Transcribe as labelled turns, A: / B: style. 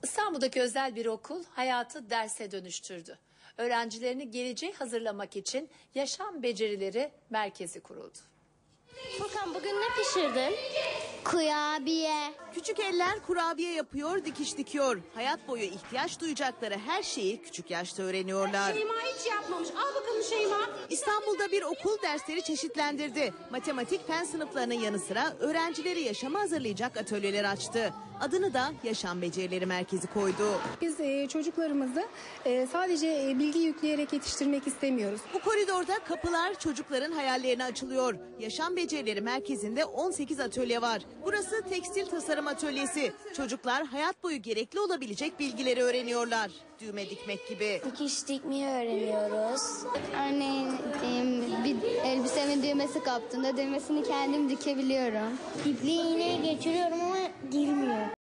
A: İstanbul'daki özel bir okul hayatı derse dönüştürdü. Öğrencilerini geleceğe hazırlamak için yaşam becerileri merkezi kuruldu.
B: Furkan bugün ne pişirdin? Kurabiye.
C: Küçük eller kurabiye yapıyor, dikiş dikiyor. Hayat boyu ihtiyaç duyacakları her şeyi küçük yaşta öğreniyorlar.
D: Şeyma hiç yapmamış. Al bakalım Şeyma.
C: İstanbul'da bir okul dersleri çeşitlendirdi. Matematik fen sınıflarının yanı sıra öğrencileri yaşama hazırlayacak atölyeler açtı. Adını da Yaşam Becerileri Merkezi koydu.
E: Biz çocuklarımızı sadece bilgi yükleyerek yetiştirmek istemiyoruz.
C: Bu koridorda kapılar çocukların hayallerine açılıyor. Yaşam Becerileri Merkezi'nde 18 atölye var. Burası tekstil tasarım atölyesi. Çocuklar hayat boyu gerekli olabilecek bilgileri öğreniyorlar. Düğme dikmek gibi.
B: Dikiş dikmeyi öğreniyoruz. Örneğin bir elbisemin düğmesi kaptığında düğmesini kendim dikebiliyorum. İpliği iğneye geçiriyorum ama girmiyor.